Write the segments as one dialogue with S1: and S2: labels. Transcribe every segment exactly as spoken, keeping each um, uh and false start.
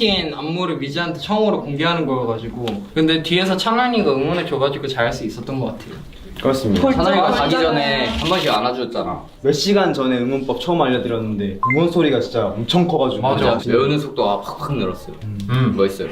S1: 팬미팅 안무를 미지한테 처음으로 공개하는 거여가지고 근데 뒤에서 찬란이가 응원해줘가지고 잘할 수 있었던 것 같아요.
S2: 그렇습니다.
S3: 찬환이가 가기 전에 한 번씩 안아줬잖아.
S2: 몇 시간 전에 응원법 처음 알려드렸는데 응원 소리가 진짜 엄청 커가지고
S1: 맞아.
S3: 외우는 속도가 팍팍 늘었어요.
S1: 음.
S3: 멋있어요.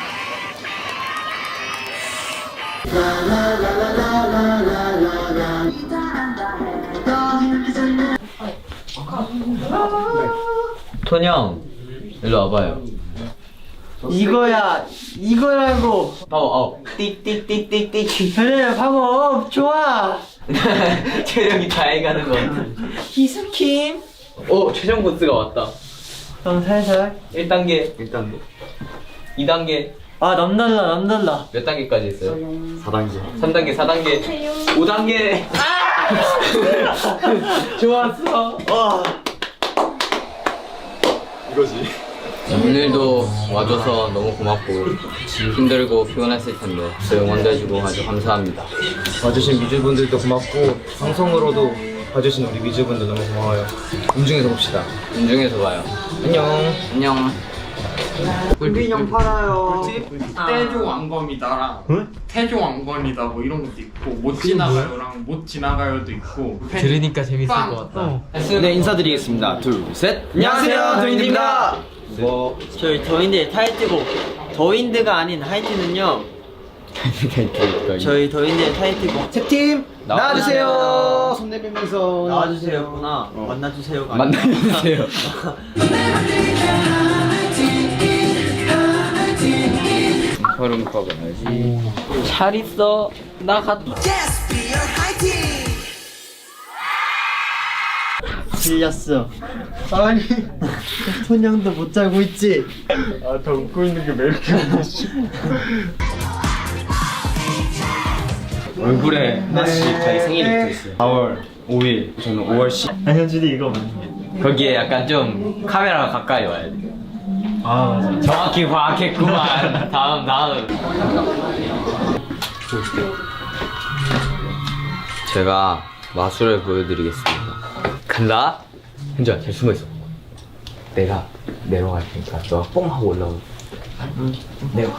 S3: 톤형 일로 와봐요.
S4: 이거야 이거라고.
S3: 파워 업. 띡띡띡띡띡.
S4: 그래 방어 좋아.
S3: 체력이 다 해가는 것 같아.
S4: 기스킴.
S3: 오 최종 보스가 왔다.
S4: 형 살살.
S3: 일 단계,
S2: 일 단계
S3: 이 단계.
S4: 아 남달라 남달라.
S3: 몇 단계까지 했어요?
S2: 사 단계
S3: 삼 단계, 사 단계, 오 단계. 좋았어.
S4: 와.
S2: 이거지.
S3: 오늘도 와줘서 너무 고맙고 힘들고 피곤했을 텐데 응원도 해주고 아주 감사합니다.
S2: 와주신 미주분들도 고맙고 방송으로도 봐주신 우리 미주분들 너무 고마워요. 음중에서 봅시다.
S3: 운중에서 봐요.
S2: 안녕.
S3: 안녕.
S4: 꿀빈형 팔아요.
S1: 태조 왕검이다랑 태조 왕건이다 뭐 이런 것도 있고 못 지나가요랑 못 지나가요도 있고
S4: 들으니까 재밌을
S1: 빵.
S4: 것 같다.
S2: 네 인사드리겠습니다. 둘, 셋. 안녕하세요, 도인입니다. 뭐
S4: 저희 더윈드 타이틀곡 더윈드가 아닌 하이틴은요. 저희 더윈드 타이틀곡
S2: 세 팀
S3: 나와주세요.
S2: 나와주세요. 손 내밀면서
S4: 나와주세요구나. 만나주세요가
S3: 만나주세요. 소름 돋아야지. 잘 있어. 나 갔다.
S4: 들렸어. 아니 톤형도 못 자고 있지.
S2: 아더 웃고 있는 게 왜 이렇게 웃기지? 얼굴에 하나씩 자기 생일이 붙어있어요. 사월 오일, 저는 오월 십.
S4: 아 현준이 이거 맞네.
S3: 거기에 약간 좀 카메라가 가까이 와야 돼.
S4: 아 맞아.
S3: 정확히 파악했구만. 다음 다음. 제가 마술을 보여드리겠습니다. 간다. 현주야 잘 숨어 있어. 내가 내려갈 테니까 너가 뽕 하고 올라오. 내가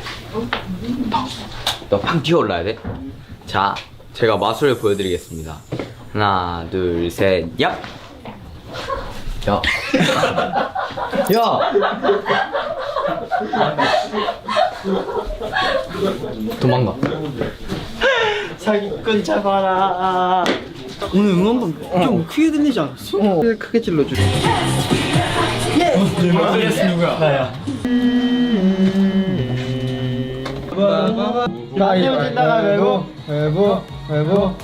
S3: 너팡 튀어 올라야 돼. 자, 제가 마술을 보여드리겠습니다. 하나, 둘, 셋, 얍. 야. 야. 도망가.
S4: 사기꾼 잡아라. 오늘 응원봉 좀 크게 들리지 않았어? 어.
S2: 크게 찔러줘.
S4: 마술레스 누구야? 나야.
S2: 가위바위보, 외부, 외부, 외부.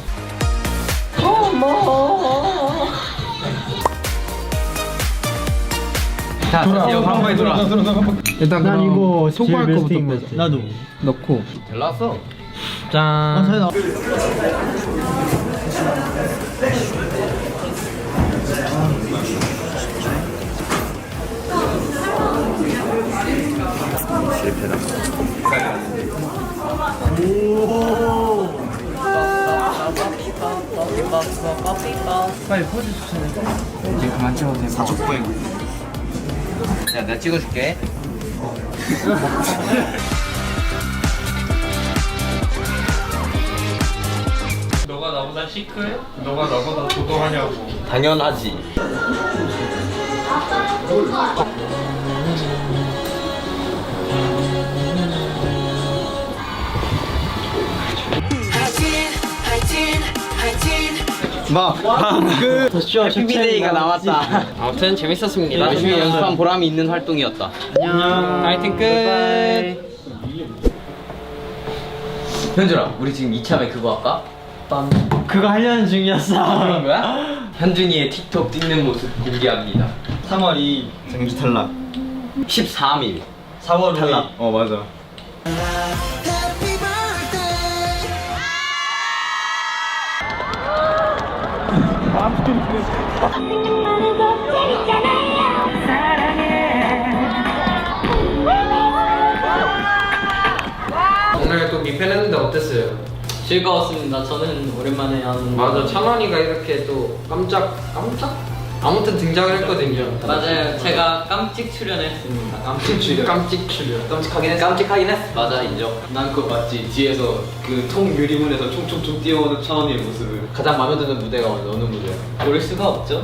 S3: 자, 다시 방법에 돌아.
S2: 일단
S4: 난 이거
S2: 손가락 거부터
S4: 빼자. 나도.
S2: 넣고.
S3: 잘 나왔어.
S2: 짠.
S4: 아, 잘 나.
S2: 빨리 포즈 추천해. 이제 그만 찍어도 돼. 사족보행.
S3: 야, 내가 찍어줄게.
S1: 너가 나보다 시크해? 너가 나보다 도도하냐고.
S3: 당연하지.
S2: 막그
S3: 해피비데이가 나왔다.
S1: 아무튼 재밌었습니다.
S3: 열심히 연습한 보람이 있는 활동이었다.
S4: 안녕.
S1: 파이팅 끝.
S3: 현준아, 우리 지금 이참에 그거 할까?
S4: 그거 하려는 중이었어.
S3: 그런 거야? 현준이의 틱톡 찍는 모습 공개합니다.
S2: 삼월 이일 정규 탈락.
S3: 십삼 일.
S2: 사월 탈락. 어 맞아.
S1: 오늘 또 미팬했는데 어땠어요?
S4: 즐거웠습니다. 저는 오랜만에 한
S1: 맞아, 찬원이가 이렇게 또 깜짝 깜짝 아무튼 등장을 했거든요.
S5: 맞아요. 제가 깜찍 출연했습니다.
S2: 깜찍 출연.
S1: 깜찍 출연.
S2: 깜찍하긴 했어.
S3: 깜찍하긴 했어.
S5: 맞아, 인정.
S2: 난 그거 맞지. 뒤에서 그 통 유리문에서 총총총 뛰어오는 천원이의 모습을.
S3: 가장 마음에 드는 무대가 어느 무대야?
S5: 모를 수가 없죠.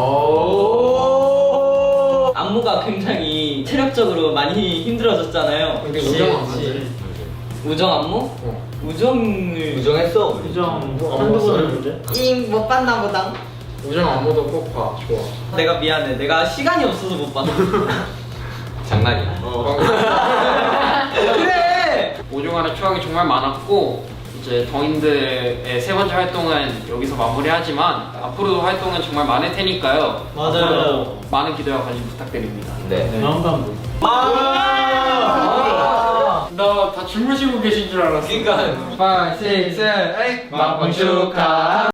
S3: 오.
S5: 안무가 굉장히 체력적으로 많이 힘들어졌잖아요.
S1: 근데 우정 안 하지.
S5: 우정 안무?
S1: 어.
S5: 우정을
S3: 우정했어. 우리.
S4: 우정 한두 번을 보대.
S5: 잉못 봤나 보다.
S1: 우정 안무도 꼭 봐. 좋아.
S5: 내가 미안해. 내가 시간이 없어서 못 봤어.
S3: 장난이야.
S5: 그래.
S1: 오종환의 추억이 정말 많았고 이제 더인들의 세 번째 활동은 여기서 마무리하지만 앞으로도 활동은 정말 많을 테니까요.
S4: 맞아요.
S1: 앞으로도 많은 기대와 관심 부탁드립니다.
S3: 네.
S4: 다음 번.
S1: 나 다 주무시고 계신 줄 알았어.
S3: 그러니까.
S1: 오, 육, 칠, 팔, 막방 축하.